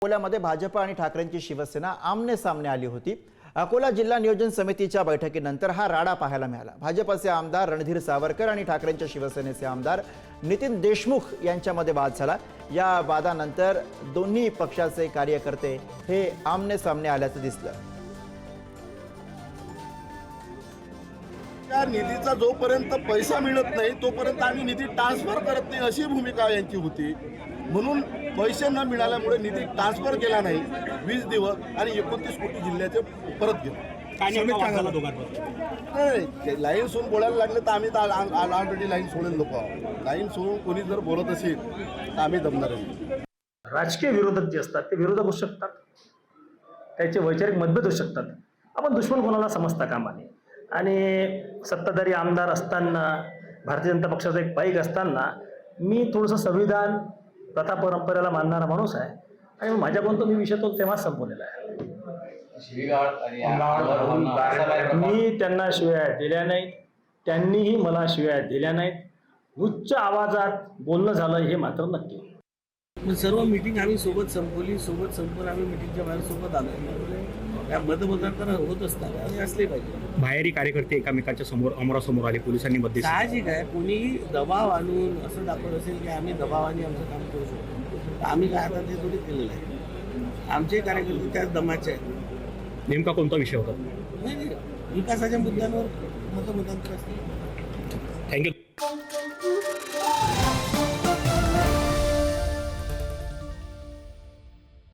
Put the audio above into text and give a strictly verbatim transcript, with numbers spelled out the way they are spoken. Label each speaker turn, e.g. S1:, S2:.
S1: अकोल्यामध्ये भाजप आणि ठाकरेंची शिवसेना आमने सामने आली होती। अकोला जिल्हा नियोजन समितीच्या बैठकीनंतर हा राडा पाहायला मिळाला। भाजपचे आमदार रणधीर सावरकर आणि ठाकरेंच्या शिवसेनेचे आमदार नितीन देशमुख यांच्यामध्ये वाद झाला। या वादानंतर दोन्ही पक्षाचे कार्यकर्ते हे आमने सामने आल्याचं दिसलं।
S2: त्या निधीचा जोपर्यंत पैसा मिळत नाही तोपर्यंत आम्ही निधी ट्रान्सफर करत नाही अशी भूमिका यांची होती। म्हणून पैसे न मिळाल्यामुळे निधी ट्रान्सफर केला नाही वीस दिवस आणि एकोणतीस कोटी जिल्ह्याचे परत गेलो। नाही लाईन सोडून बोलायला लागले तर आम्ही ऑलरेडी लाईन सोडेल लोक आहोत। लाईन सोडून कोणी जर बोलत असेल तर आम्ही दमणार नाही।
S3: राजकीय विरोधक जे असतात ते विरोधक होऊ शकतात, त्याचे वैचारिक मतभेद होऊ शकतात। आपण दुश्मन कोणाला समजता कामा नये आणि सत्ताधारी आमदार असताना भारतीय जनता पक्षाचा एक पाईक असताना मी थोडंसं संविधान प्रथा परंपरेला मानणारा माणूस आहे आणि माझ्याकडून तो मी विषय तो तेव्हाच संपवलेला आहे। मी त्यांना शिव्या दिल्या नाहीत, त्यांनीही मला शिव्या दिल्या नाहीत। उच्च आवाजात बोलणं झालं हे मात्र नक्की।
S4: सर्व मीटिंग आम्ही सोबत संपवली, सोबत संपवून आम्ही मीटिंगच्या बाहेर सोबत आलो। त्या मतमतांतर होत असतात आणि असले पाहिजे।
S5: बाहेरी कार्यकर्ते एकामेकांच्या समोर अमरासमोर आले, पोलिसांनी मध्ये
S4: साहजिक आहे, कोणी दबाव आणून असं दाखवत असेल की आम्ही दबावाने आमचं काम करू शकतो तर आम्ही काय आता ते थोडी केलेलं आहे। आमचे कार्यकर्ते त्याच दमाचे आहेत।
S5: नेमका कोणता विषय होता?
S4: नाही नाही विकासाच्या मुद्द्यांवर मतमतांतर असते।
S5: थँक्यू।